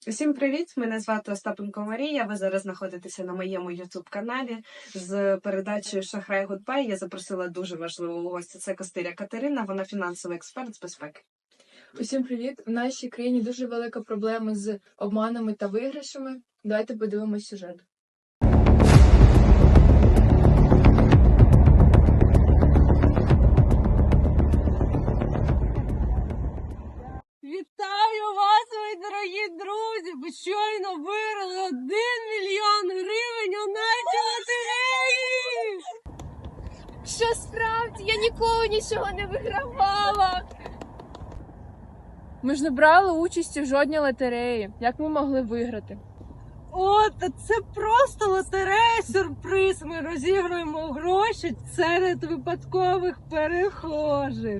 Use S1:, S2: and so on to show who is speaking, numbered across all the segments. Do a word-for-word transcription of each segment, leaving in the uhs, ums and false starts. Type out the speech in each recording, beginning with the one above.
S1: Усім привіт! Мене звати Остапенко Марія. Ви зараз знаходитеся на моєму ютуб-каналі з передачею «Шахрай Гудбай». Я запросила дуже важливу гостя. Це Костиря Катерина, вона фінансовий експерт з безпеки.
S2: Усім привіт! В нашій країні дуже велика проблема з обманами та виграшами. Давайте подивимось сюжет.
S3: Вітаю вас, мої дорогі друзі! Ви щойно виграли один мільйон гривень у нашій лотереї!
S4: Що справді? Я ніколи нічого не вигравала.
S2: Ми ж не брали участі в жодній лотереї. Як ми могли виграти?
S3: О, та це просто лотерея-сюрприз! Ми розігруємо гроші серед випадкових перехожих.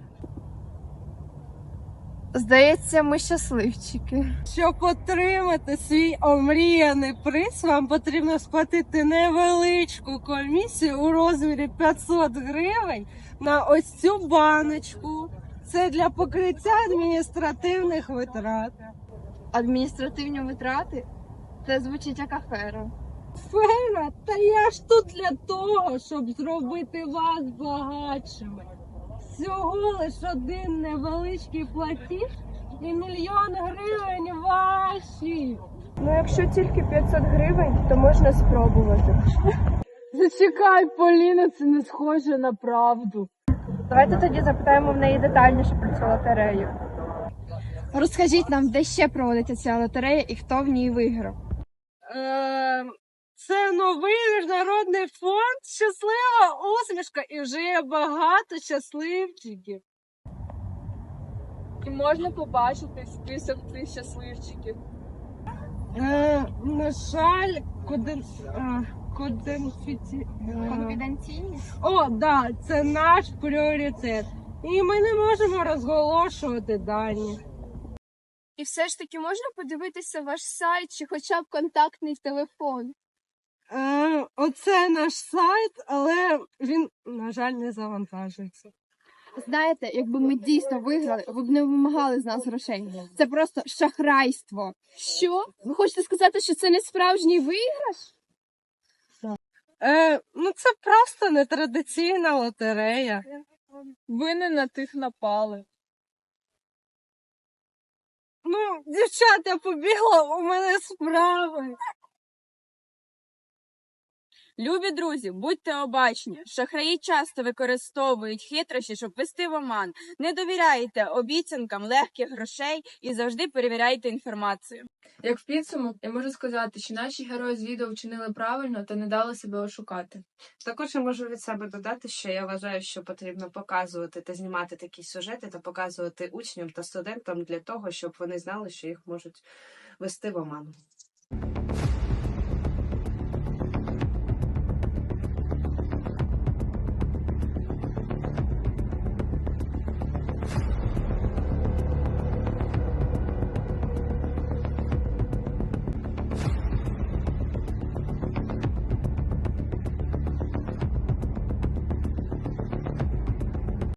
S4: Здається, ми щасливчики.
S3: Щоб отримати свій омріяний приз, вам потрібно сплатити невеличку комісію у розмірі п'ятсот гривень на ось цю баночку. Це для покриття адміністративних витрат.
S4: Адміністративні витрати? Це звучить як афера.
S3: Фера, та я ж тут для того, щоб зробити вас багатшими. Всього лиш один невеличкий платіж і мільйон гривень ваші.
S4: Ну, якщо тільки п'ятсот гривень, то можна спробувати.
S2: Зачекай, Поліна, це не схоже на правду.
S4: Давайте тоді запитаємо в неї детальніше про цю лотерею. Розкажіть нам, де ще проводиться ця лотерея і хто в ній виграв.
S3: Е, це новий міжнародний фонд «Щаслива усмішка» і вже є багато щасливчиків.
S2: І можна побачити список цих щасливчиків.
S3: Е, на жаль, коден... е, коденфіці... е,
S4: Конфіденційність?
S3: О, да, це наш пріоритет. І ми не можемо розголошувати дані.
S4: І все ж таки можна подивитися ваш сайт чи хоча б контактний телефон?
S3: Е, оце наш сайт, але він, на жаль, не завантажується.
S4: Знаєте, якби ми дійсно виграли, ви б не вимагали з нас грошей. Це просто шахрайство. Що? Ви хочете сказати, що це не справжній виграш?
S3: Е, ну це просто нетрадиційна лотерея.
S2: Ви не на тих напали.
S3: Ну, дівчата, я побігла, у мене справи.
S5: Любі друзі, будьте обачні. Шахраї часто використовують хитрощі, щоб вести в оман. Не довіряйте обіцянкам легких грошей і завжди перевіряйте інформацію.
S2: Як в підсумок, я можу сказати, що наші герої з відео вчинили правильно та не дали себе ошукати.
S1: Також я можу від себе додати, що я вважаю, що потрібно показувати та знімати такі сюжети та показувати учням та студентам для того, щоб вони знали, що їх можуть вести в оману.